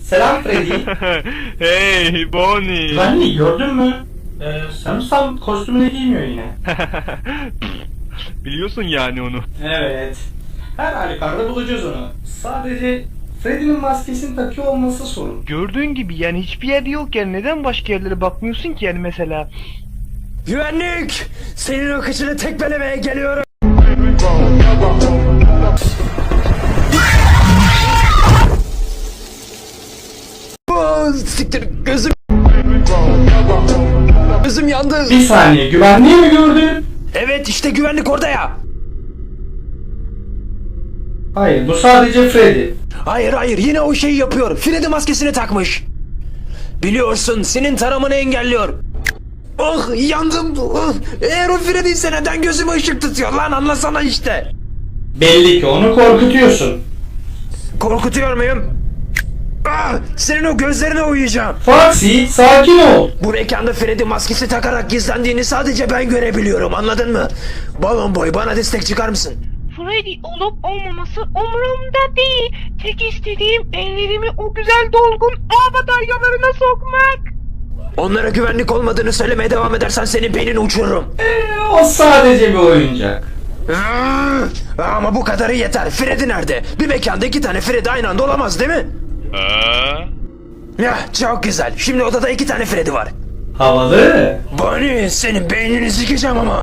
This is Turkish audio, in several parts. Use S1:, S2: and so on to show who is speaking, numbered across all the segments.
S1: Selam Freddy.
S2: Hey Bonnie.
S1: Güvenliği gördün mü? Sanırsam kostümünü giymiyor yine.
S2: Biliyorsun yani onu.
S1: Evet. Her halükarda bulacağız onu. Sadece Freddy'nin maskesini takıyor olması sorun.
S2: Gördüğün gibi yani hiçbir yerde yokken neden başka yerlere bakmıyorsun ki yani mesela?
S3: Güvenlik! Senin o kıçını tekmelemeye geliyorum. Siktir gözüm. Gözüm yandı.
S1: Bir saniye, güvenliği mi gördün?
S3: Evet işte güvenlik orada ya.
S1: Hayır, bu sadece Freddy.
S3: Hayır yine o şeyi yapıyor. Freddy maskesini takmış. Biliyorsun senin taramanı engelliyor. Oh yandım. Oh. Eğer o Freddy ise neden gözüme ışık tutuyor lan anlasana işte.
S1: Belli ki onu korkutuyorsun.
S3: Korkutuyor muyum? Ah, senin o gözlerine uyuyacağım.
S1: Foxy, sakin ol.
S3: Bu mekanda Freddy maskesi takarak gizlendiğini sadece ben görebiliyorum anladın mı? Balon boy bana destek çıkar mısın?
S4: Freddy olup olmaması umurumda değil. Tek istediğim ellerimi o güzel dolgun ağ bataryalarına sokmak.
S3: Onlara güvenlik olmadığını söylemeye devam edersen senin beynini uçururum.
S1: O sadece bir oyuncak.
S3: Ama bu kadarı yeter. Freddy nerede? Bir mekanda 2 tane Freddy aynı anda olamaz değil mi? Ya çok güzel. Şimdi odada 2 tane Freddy var.
S1: Havalı.
S3: Bonnie senin beynini sikeceğim ama.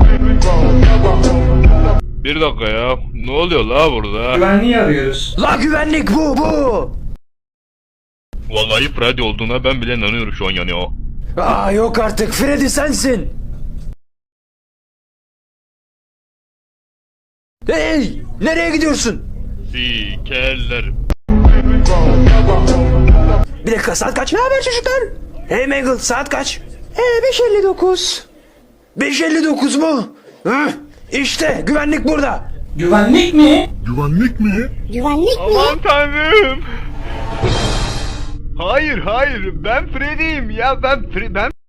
S2: Bir dakika ya. Ne oluyor la burada?
S1: Güvenliği arıyoruz.
S3: La güvenlik bu.
S2: Vallahi Freddy olduğuna ben bile inanıyorum şu an yani o.
S3: Aa yok artık Freddy sensin. Hey nereye gidiyorsun?
S2: Sikerler.
S3: Bir dakika saat kaç? Ne haber çocuklar? Hey Mangle saat kaç? 5:59. 5:59 mu? Hı? İşte güvenlik burada.
S1: Güvenlik mi?
S2: Aman tanrım. Hayır ben Freddy'yim ya ben